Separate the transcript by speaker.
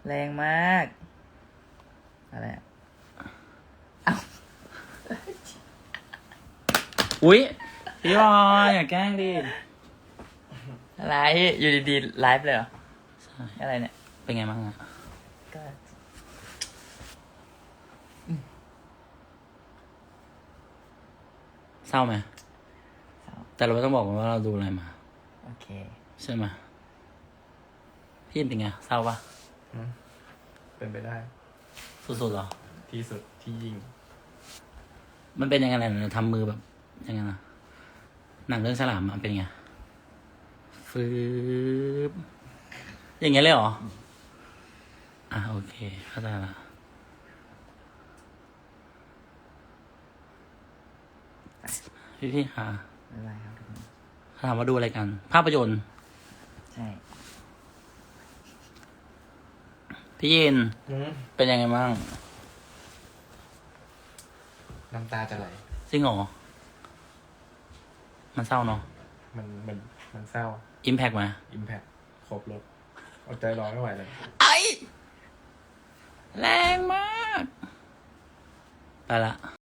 Speaker 1: แรงมากอะไรอ่ะเอ้า
Speaker 2: อุ๊ยพี่บอยอย่าแกล้งดิ
Speaker 1: อะไรอยู่ดีๆไลฟ์เลยเหรอ
Speaker 2: ใช่
Speaker 1: อะไรเนี่ย
Speaker 2: เป็นไงบ้างอะ
Speaker 1: ก็
Speaker 2: เศร้าไหม
Speaker 1: เศร้า
Speaker 2: แต่เราไม่ต้องบอกว่าเราดูอะไรมา
Speaker 1: โอเค
Speaker 2: ใช่ไหมพี่เป็นไงเศร้าปะ
Speaker 3: เป็นไปได้
Speaker 2: สุดๆเหรอ
Speaker 3: ที่สุดที่ยิ่ง
Speaker 2: มันเป็นยังไงเนี่ยทำมือแบบยังไงนะหนังเรื่องฉลามมันเป็นไงฟืบอย่างเงี้ยเลยเหรออ่ะโอเคเข้าใจละพี่ค่ะ
Speaker 1: บ๊ายบายครับทุกคน
Speaker 2: ถามว่าดูอะไรกัน ภาพยนตร์
Speaker 1: ใช่
Speaker 2: พี่ยินเป็นยังไงบ้าง
Speaker 3: น้ำตาจะไหล
Speaker 2: จริงเหรอมันเศร้าเนาะ
Speaker 3: มันเศร้า
Speaker 2: อิมแพกไหม
Speaker 3: อิมแพคครบรถเอาใจร้อนไม่ไหวเลย
Speaker 2: ไอแรงมาก ไปละ